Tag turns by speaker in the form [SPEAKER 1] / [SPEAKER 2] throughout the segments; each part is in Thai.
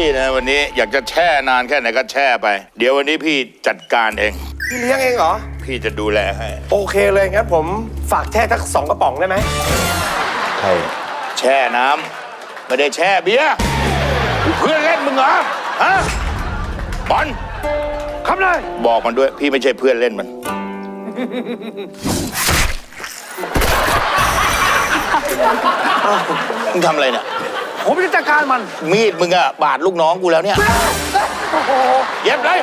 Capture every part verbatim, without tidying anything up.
[SPEAKER 1] นะวันนี้อยากจะแช่นานแค่ไหนก็แช่ไปเดี๋ยววันนี้พี่จัดการเอง
[SPEAKER 2] พี่เลี้ยงเองเหรอ
[SPEAKER 1] พี่จะดูแลให้
[SPEAKER 2] โอเคเลยงั้นผมฝากแช่ทักสองกระป๋องได้ไหม
[SPEAKER 1] ใช่แช่น้ำไม่ได้แช่เบียร์เพื่อนเล่นมึงเหรอฮะบอล
[SPEAKER 2] ครับเลย
[SPEAKER 1] บอกมันด้วยพี่ไม่ใช่เพื่อนเล่นมันมึงทำอะไรเนี่ย
[SPEAKER 2] ผมจะจัดการมัน
[SPEAKER 1] มีดมึงอะบาดลูกน้องกูแล้วเนี่ยเย็บเลย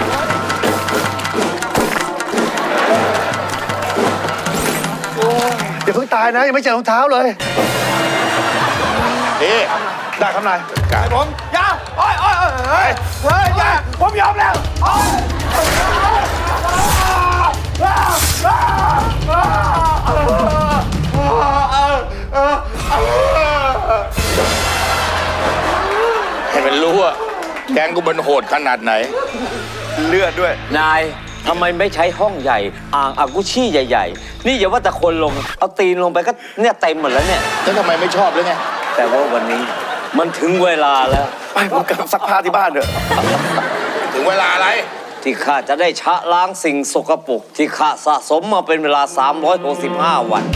[SPEAKER 2] อย่าเพิ่งตายนะยังไม่เจอรองเท้าเลย
[SPEAKER 1] เอ๊ะ
[SPEAKER 2] ได้ครับนาย
[SPEAKER 1] การ
[SPEAKER 2] ผมยาโอ้ยโอ้ยเฮ้ยเฮ้ยยาผมยอมแล้ว
[SPEAKER 1] ให้มันรู้ว่าแกงกูมันโหดขนาดไหน
[SPEAKER 2] เลือดด้วย
[SPEAKER 3] นายทำไมไม่ใช้ห้องใหญ่อ่างอากุชี่ใหญ่ๆนี่อย่าว่าแต่คนลงเอาตีนลงไปก็เนี่ยเต็มหมดแล้วเนี่ย
[SPEAKER 1] แล้วทำไมไม่ชอบเลยไง
[SPEAKER 3] แต่ว่าวันนี้มันถึงเวลาแล้ว
[SPEAKER 2] ไปผมกลับซักผ้าที่บ้านเถอะ
[SPEAKER 1] ถึงเวลาอะไร
[SPEAKER 3] ที่ข้าจะได้ชะล้างสิ่งสกปรกที่ข้าสะสมมาเป็นเวลาสามร้อยหกสิบห้าวัน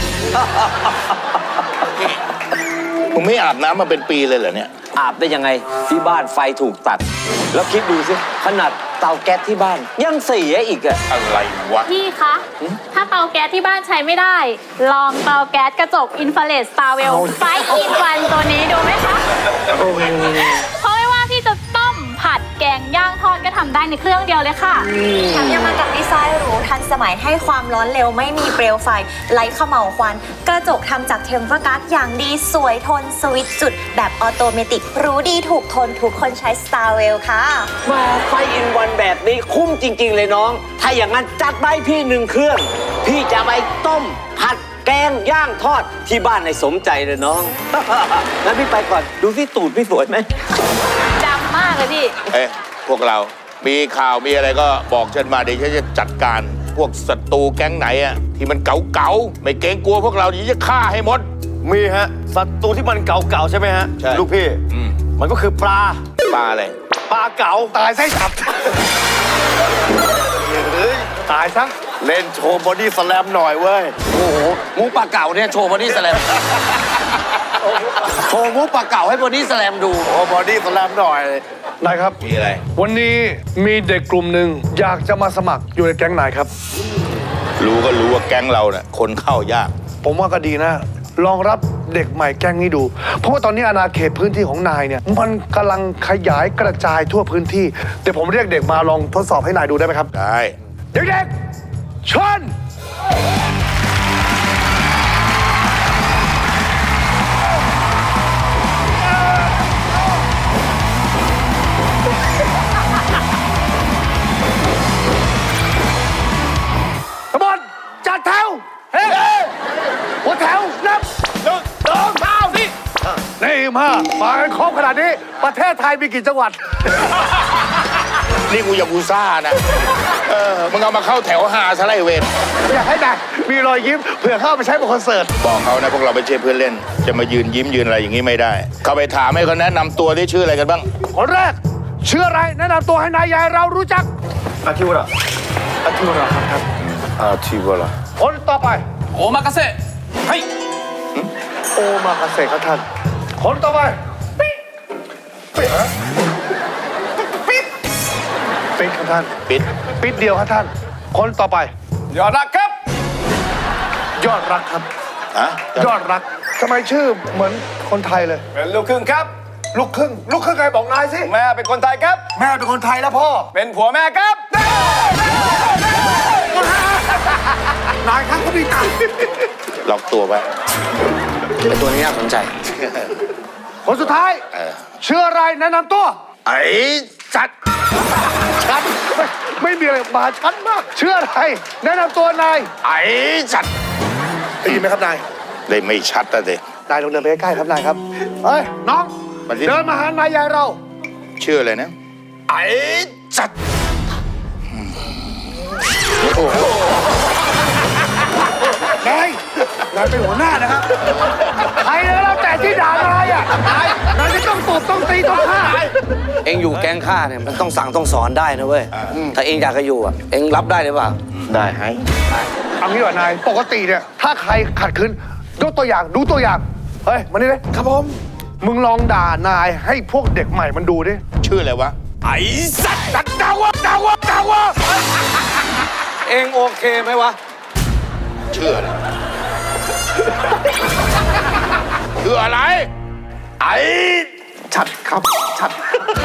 [SPEAKER 1] มึงไม่อาบน้ำมาเป็นปีเลยเหรอเนี่ย
[SPEAKER 3] อาบได้ยังไงที่บ้านไฟถูกตัดแล้วคิดดูสิขนาดเตาแก๊สที่บ้านยังเสียอีกอะ
[SPEAKER 1] อะไรวะ
[SPEAKER 4] พี่คะถ้าเตาแก๊สที่บ้านใช้ไม่ได้ลองเตาแก๊สกระจกอินฟราเรดสตาร์เวลไฟอินวันตัวนี้ดูไหมคะเพราะไม่ว่าพี่จะต้มผัดแกงย่างทอดก็ทำได้ในเครื่องเดียวเลยค่ะ
[SPEAKER 5] แถมยังมากับดีไซน์หรูทันสมัยให้ความร้อนเร็วไม่มีเปลวไฟไร้เขม่าวควันกระจกทำจากเทมเปอร์การ์ดอย่างดีสวยทนสวิตช์จุดแบบออโตเมติกรู้ดีถูกทนทุกคนใช้ Starwell ค่ะ
[SPEAKER 3] มาไฟอินวันแบบนี้คุ้มจริงๆเลยน้องถ้าอย่างนั้นจัดไปพี่หนึ่งเครื่องพี่จะไปต้มผัดแกงย่างทอดที่บ้านในสมใจเลยน้องงั้นพี่ไปก่อนดูที่ตูดพี่สวยไหม
[SPEAKER 4] ดำมากเลยพี่
[SPEAKER 1] เอ๊ะพวกเรามีข่าวมีอะไรก็บอกฉันมาเดี๋ยวฉันจะจัดการพวกศัตรูแก๊งไหนอะที่มันเก๋าๆไม่เกรงกลัวพวกเราเดี๋ยวจะฆ่าให้หมด
[SPEAKER 2] มีฮะศัตรูที่มันเก่าๆใช่ไหมฮะ
[SPEAKER 1] ใช่
[SPEAKER 2] ลูกพี่มันก็คือปลา
[SPEAKER 1] ปลาอะไร
[SPEAKER 2] ปลาเก๋าตายไส้ฉับตายซะเล่นโชว์บอดี้สแลมหน่อยเว้ย
[SPEAKER 3] โอ้โหมูปลาเก๋าเนี่ยโชว์บอดี้สแลมโชว์มูปลาเก๋าให้บอดี้สแลมดู
[SPEAKER 2] โอ้บอดี้สแลมหน่อยนายครับ
[SPEAKER 1] มีอะไร
[SPEAKER 2] วันนี้มีเด็กกลุ่มหนึ่งอยากจะมาสมัครอยู่ในแก๊งนายครับ
[SPEAKER 1] รู้ก็รู้ว่าแก๊งเราเนี่ยคนเข้ายาก
[SPEAKER 2] ผมว่าก็ดีนะลองรับเด็กใหม่แก๊งนี้ดูเพราะว่าตอนนี้อาณาเขตพื้นที่ของนายเนี่ยมันกำลังขยายกระจายทั่วพื้นที่เดี๋ยวผมเรียกเด็กมาลองทดสอบให้นายดูได้ไหมครับ
[SPEAKER 1] ได้
[SPEAKER 2] เด็กๆเชิญขบวนจัดแถวเฮ้หัวแถวนับหนึ่งสองสามสี่นี่มามากันครบขนาดนี้ประเทศไทยมีกี่จังหวัด
[SPEAKER 1] นี่กูยากูซ่านะเออมึงเอามาเข้าแถวหาซะไรเวร
[SPEAKER 2] อยากให้ได้มีรอยยิ้มเผื่อเข้าไปใช้บนคอนเสิร์ต
[SPEAKER 1] บอกเขานะพวกเราไม่ใช่เพื่อนเล่นจะมายืนยิ้มยืนอะไรอย่างนี้ไม่ได้เขาไปถามให้เขาแนะนำตัวที่ชื่ออะไรกันบ้าง
[SPEAKER 2] คนแรกชื่ออะไรแนะนำตัวให้นายยายเรารู้จักอาทิวระอาทิวระครับ
[SPEAKER 1] อาทิวระ
[SPEAKER 2] คนต่อไป
[SPEAKER 3] โอมากาเซ่เฮ้ย
[SPEAKER 2] โอมากาเซ่ครับท่านคนต่อไปปิ๊ดปิ๊ดปิ๊ดปิ๊ดครับท่าน
[SPEAKER 1] ปิด
[SPEAKER 2] ปิดเดียวครับท่านคนต่อไป
[SPEAKER 3] ยอดรักครับ
[SPEAKER 2] ยอดรักครับ
[SPEAKER 1] ฮะ
[SPEAKER 2] ยอดรักทำไมชื่อเหมือนคนไทยเลย
[SPEAKER 3] เป็นลูกครึ่งครับ
[SPEAKER 2] ลูกครึ่งลูกครึ่งใครบอกนายสิ
[SPEAKER 3] แม่เป็นคนไทยครับ
[SPEAKER 2] แม่เป็นคนไทยแล้วพ่อ
[SPEAKER 3] เป็นผัวแม่ครับ
[SPEAKER 2] นายครับเขามีตังค์
[SPEAKER 1] ล็อกตัวไว้
[SPEAKER 3] ตัวนี้น่าสนใจ
[SPEAKER 2] คนสุดท้ายชื่ออะไรแนะนำตัว
[SPEAKER 1] ไอ้จัด
[SPEAKER 2] ชัดไม่ไม่มีอะไรมาชัดมากชื่ออะไรแนะนำตัวนาย
[SPEAKER 1] ไอ้จัด
[SPEAKER 2] ได้ยินไหมครับนาย
[SPEAKER 1] ได้ไม่ชัดแต่เด็ก
[SPEAKER 2] นายลองเดินไปใกล้ๆครับนายครับเฮ้ยน้องเดินมาหานายยายเรา
[SPEAKER 1] ชื่ออะไรนะ
[SPEAKER 2] ไอ้จัดนายนายเป็นหัวหน้านะครับใครแล้วแต่ที่ด่านายอ่ะนายนายจะต้องตบต้องตีต้องฆ่า
[SPEAKER 6] องอยู่แก๊งข้าเนี่ยมันต้องสั่งต้องสอนได้นะเว้ย ถ้าเองอยากจะอยู่อ่ะ เองรับได้หรือเปล่า
[SPEAKER 1] ได้ให้
[SPEAKER 2] เอางี้ว่านายปกติเนี่ยถ้าใครขัดขืนยกตัวอย่างดูตัวอย่างเฮ้ยมานี่เลยครับผมมึงลองด่านายให้พวกเด็กใหม่มันดูดิ
[SPEAKER 1] ชื่ออะไรวะ
[SPEAKER 6] ไอ้สัตว์
[SPEAKER 1] ดักดาวะดาวะดาวะ
[SPEAKER 6] เองโอเคไหมวะ
[SPEAKER 1] ชื่ออะไรชื่ออะไร
[SPEAKER 6] ไอ้
[SPEAKER 2] ชัดครับชัด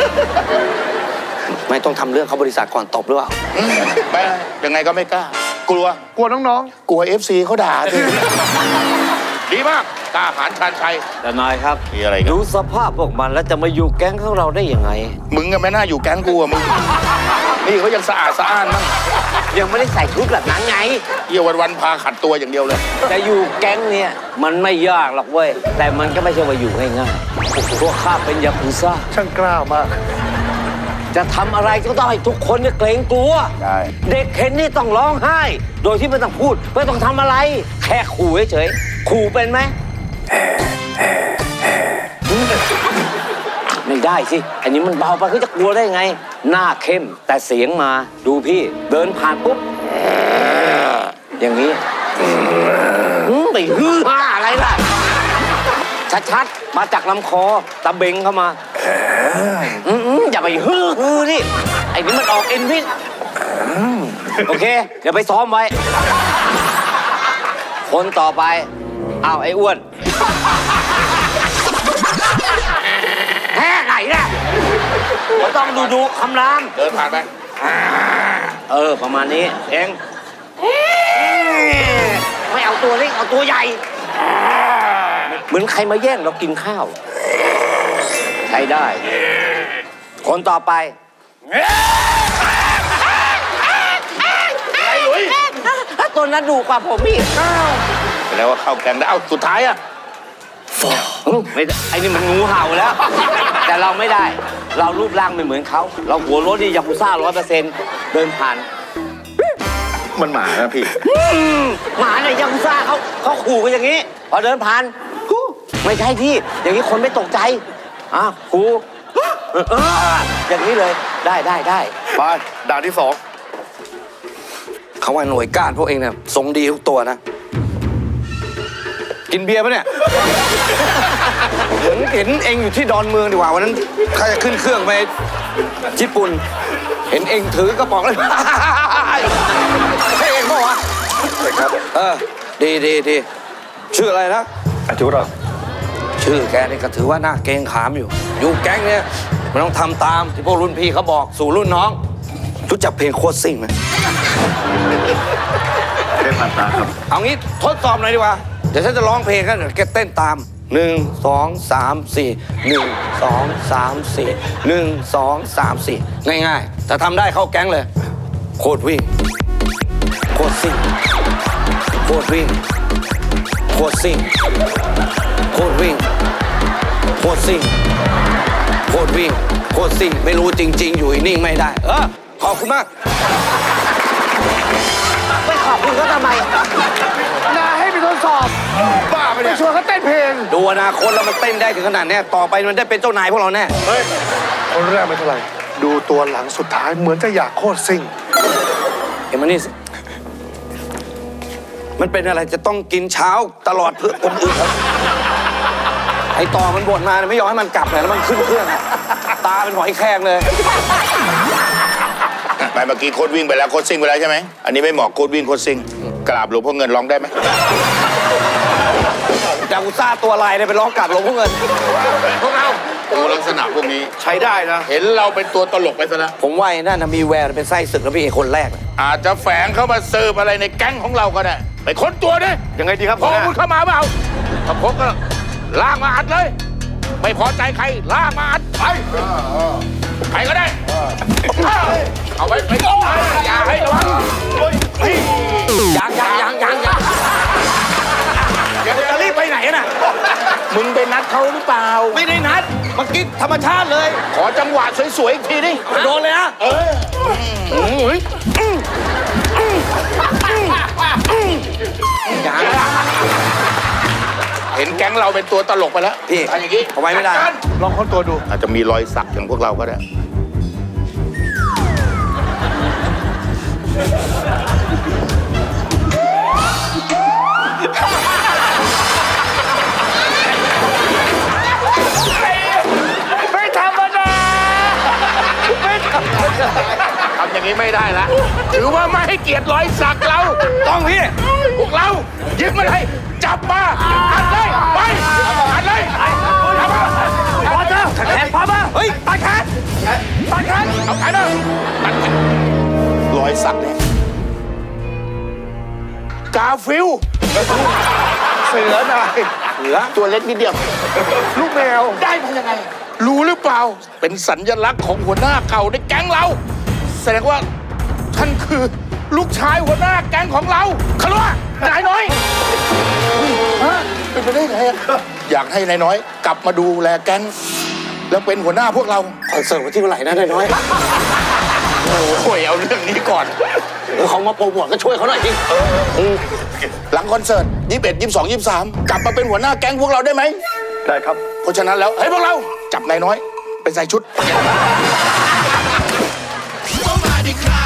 [SPEAKER 6] ไม่ต้องทำเรื่องเขาบริษัทก่อนตบหรือเปล่า
[SPEAKER 1] ไม่ยังไงก็ไม่กล้า กลัว
[SPEAKER 2] กลัวน้อง
[SPEAKER 1] กลัวเอฟซีเขาด่าสิดีมากกล้าหาญชาญชัย
[SPEAKER 3] แต่นายครับ
[SPEAKER 1] มีอะไรกัน
[SPEAKER 3] ดูสภาพพวกมันแล้วจะมาอยู่แก๊งของเราได้ยังไง
[SPEAKER 1] มึงก็ไม่น่าอยู่แก๊งกูอะมึง นี่เขายังสะอาดสะอ้านมั้ง
[SPEAKER 3] ยังไม่ได้ใส่ชุดแบบนั้นไง
[SPEAKER 1] เยี่ยวันวันๆพาขัดตัวอย่างเดียวเลย
[SPEAKER 3] จะอยู่แก๊งเนี่ยมันไม่ยากหรอกเว้ย แต่มันก็ไม่ใช่ว่าอยู่ง่ายๆพวกข้าเป็นยากุซ่า
[SPEAKER 2] ๆช่างกล้ามาก
[SPEAKER 3] จะทำอะไรก็ต้องให้ทุกคนเนี่ยเกรงกลัว
[SPEAKER 1] ใช่
[SPEAKER 3] เด็กเห็นนี่ต้องร้องไห้ โดยที่ไม่ต้องพูด ไม่ต้องทำอะไร แค่ขู่เฉยๆขู่เป็นไหม ไม่ได้สิ อันนี้มันเบาไปเขาจะกลัวได้ไง หน้าเข้มแต่เสียงมา ดูพี่ เดินผ่านปุ๊บ อย่างนี้หืมไปฮือฮ่าอะไรล่ะ ชัดๆ มาจากลำคอตะเบงเข้ามาอืมๆอย่าไปฮือฮือนี่ ไอ้นี่มันออกเอ็นพิษโอเค เดี๋ยวไปซ้อมไว้ คนต่อไป อ้าว ไอ้อ้วนแฮ่ไหนน่ะเราต้องดูดูคำราม
[SPEAKER 1] เดินผ่านไป
[SPEAKER 3] เออ ประมาณนี้ เองไม่เอาตัวเล็กเอาตัวใหญ่ เหมือนใครมาแย่งเรากินข้าว ใช้ได้ คนต่อไป
[SPEAKER 1] ไอ้หลุย
[SPEAKER 3] ตัวนั้นดูกว่าผมอีก
[SPEAKER 1] แสดงว่าเข้าแก๊งได้ เอ้า สุดท้ายอะ
[SPEAKER 3] ไม่ได้ไอ้นี่มันงูเห่าแล้ว แต่เราไม่ได้ เรารูปร่างไม่เหมือนเขา เราหัวรถนี่ยากุซ่าร้อยเปอร์เซ็นต์เดินผ่าน
[SPEAKER 1] มันหมานะพี่
[SPEAKER 3] หมาเนี่ยยากุซ่าเขาเขาขู่กันอย่างนี้ พอเดินผ่านฮู้ไม่ใช่พี่ อย่างนี้คนไม่ตกใจอ่ะขู่เออเอออย่างนี้เลยได้ได้ได้
[SPEAKER 2] ไปด่านที่สอง
[SPEAKER 6] เขาว่าหน่วยก้านพวกเองเนี่ยทรงดีทุกตัวนะ กินเบียร์ปะเนี่ย เหมือนเห็นเองอยู่ที่ดอนเมืองดีกว่าวันนั้นใครจะขึ้นเครื่องไปญี่ปุ่น เห็นเองถือกระป๋องเลย ใช่เองปะวะใช่ครับ เออ ดีดีดีชื่ออะไรนะ
[SPEAKER 2] อาจุรอ
[SPEAKER 6] ชื่อแกนี่ก็ถือว่าน่าเกรงขามอยู่ อยู่แก๊งเนี่ยมันต้องทำตามที่พวกรุ่นพี่เขาบอกสู่รุ่นน้อง รู้จักเพลงโคตรซิ่งไหม
[SPEAKER 2] เล่นผ่านตาครับ
[SPEAKER 6] เอางี้ทดสอบหน่อยดีกว่า เดี๋ยวฉันจะร้องเพลงกันเดี๋ยวแกเต้นตามหนึ่งสองสามสี่หนึ่งสองสามสี่หนึ่งสองสามสี่ง่ายๆแต่ทำได้เข้าแก๊งเลย โคตรวิ่ง โคตรซิ่ง โคตรวิ่ง โคตรซิ่ง โคตรวิ่ง โคตรซิ่ง โคตรวิ่ง โคตรซิ่ง ไม่รู้จริง ๆ อยู่นิ่งไม่ได้ เออ ขอบคุณมาก
[SPEAKER 3] ไปขอบคุณเขาทำไม
[SPEAKER 2] นายให้ไปทดสอบ
[SPEAKER 1] บ้าไป
[SPEAKER 2] ไป
[SPEAKER 1] เนี่ย
[SPEAKER 2] ชวนเขาเต้นเพลง
[SPEAKER 6] ดูอนาคตแล้วมันเต้นได้ถึงขนาดเนี้ยต่อไปมันได้เป็นเจ้านายพวกเราแน่
[SPEAKER 1] เฮ้ย
[SPEAKER 2] คนแรกไม่เท่าไหร่ ดูตัวหลังสุดท้ายเหมือนจะอยากโคตรซิ่ง
[SPEAKER 6] เอ็มมานี่สิมันเป็นอะไรจะต้องกินเช้าตลอดเพื่อคนอื่นครับไอต่อมันบ่นมาเนี่ยไม่ยอมให้มันกลับเลยแล้วมันขึ้นเครื่องอะตาเป็นหอยแครงเลย
[SPEAKER 1] ไปเมื่อกี้โคตรวิ่งไปแล้วโคตรซิ่งไปแล้วใช่ไหม อันนี้ไม่เหมาะโคตรวิ่งโคตรซิ่ง กราบหลวงพ่อเงินร้องได้ไหม
[SPEAKER 6] จากอุตส่าห์ตัวลายเนี่ยไปร้องกลับหลวงพ่อเงิน
[SPEAKER 1] พวกเราตัวลักษณะพวกนี้
[SPEAKER 2] ใช้ได้นะ
[SPEAKER 1] เห็นเราเป็นตัวตลกไปซะแล้ว
[SPEAKER 6] ผมว่าไอ้นั่นนะมีแววเป็นไส้ศึกแล้วพี่ไอ้คนแรกเลย
[SPEAKER 1] อาจจะแฝงเข้ามาเสิร์ฟอะไรในแก๊งของเราก็ได้ ไปค้นตัวดิ
[SPEAKER 2] ยังไงดีครับ
[SPEAKER 1] พอมึงเข้ามาเปล่าถ้าพบก็ลากมาอัดเลย ไม่พอใจใครลากมาอัดไปใครก็ได้ เอาไปไปอย่าให้ระวัง
[SPEAKER 6] ยังยังยังยังยังจะรีบไปไหนน่ะ
[SPEAKER 1] มึงไปนัดเขาหรือเปล่า
[SPEAKER 6] ไม่ได้นัดเมื่อกี้ธรรมชาติเลย
[SPEAKER 1] ขอจังหวะสวยๆอีกทีดิ
[SPEAKER 6] โดนเลยนะ
[SPEAKER 1] เออ
[SPEAKER 6] ยังเห็น
[SPEAKER 1] ห็นแก๊งเราเป็นตัวตลกไปแล้ว
[SPEAKER 6] พี่
[SPEAKER 1] เอาอย่างนี้
[SPEAKER 6] เอาไว้ไม่ได้
[SPEAKER 1] จัการ
[SPEAKER 2] ลองค้นตัวดู
[SPEAKER 1] อาจจะมีรอยสักอย่างพวกเราก็ได้
[SPEAKER 2] ไม่ธรรมดาไม่ธรรมดา
[SPEAKER 1] ทำอย่างนี้ไม่ได้ละถือว่าไม่ให้เกียรติรอยสักเรา
[SPEAKER 6] ต้องพี่
[SPEAKER 1] พวกเรายึดมาเลยจับมาอัดเลยไปอัดเลยจับมา
[SPEAKER 6] พอเถอะแขนพอมาเฮ้ยตัดแขนตัดแขน
[SPEAKER 1] เอาแขนมาตัดแขนรอยสักเนี่ยกาฟิล
[SPEAKER 2] เสือนาย
[SPEAKER 1] เหลือตัวเล็กนิดเดียว
[SPEAKER 2] ลูกแมว
[SPEAKER 1] ได้มายังไง รู้หรือเปล่า เป็นสัญลักษณ์ของหัวหน้าเก่าในแก๊งเรา แสดงว่าท่านคือลูกชายหัวหน้าแก๊งของเราขลุ่นายน้อยฮะเป็นไปได้ไงอะอยากให้นายน้อย กลับมาดูแลแก๊งแล้วเป็นหัวหน้าพวกเรา
[SPEAKER 3] คอนเสิร์ตวันที่เท่าไหร่นะนายน้อย
[SPEAKER 1] โอ้ยเอาเรื่องนี้ก่อน
[SPEAKER 3] เออเขามาโปรโมทก็ช่วยเขาหน่อยสิ
[SPEAKER 1] หลังคอนเสิร์ตยี่สิบเอ็ดยี่สิบสองยี่สิบสามกลับมาเป็นหัวหน้าแก๊งพวกเราได้ไหม
[SPEAKER 2] ได้ครับ
[SPEAKER 1] เพราะฉะนั้นแล้วเฮ้ยพวกเราจับนายน้อยไปใส่ชุด
[SPEAKER 7] ก็มาดิครับ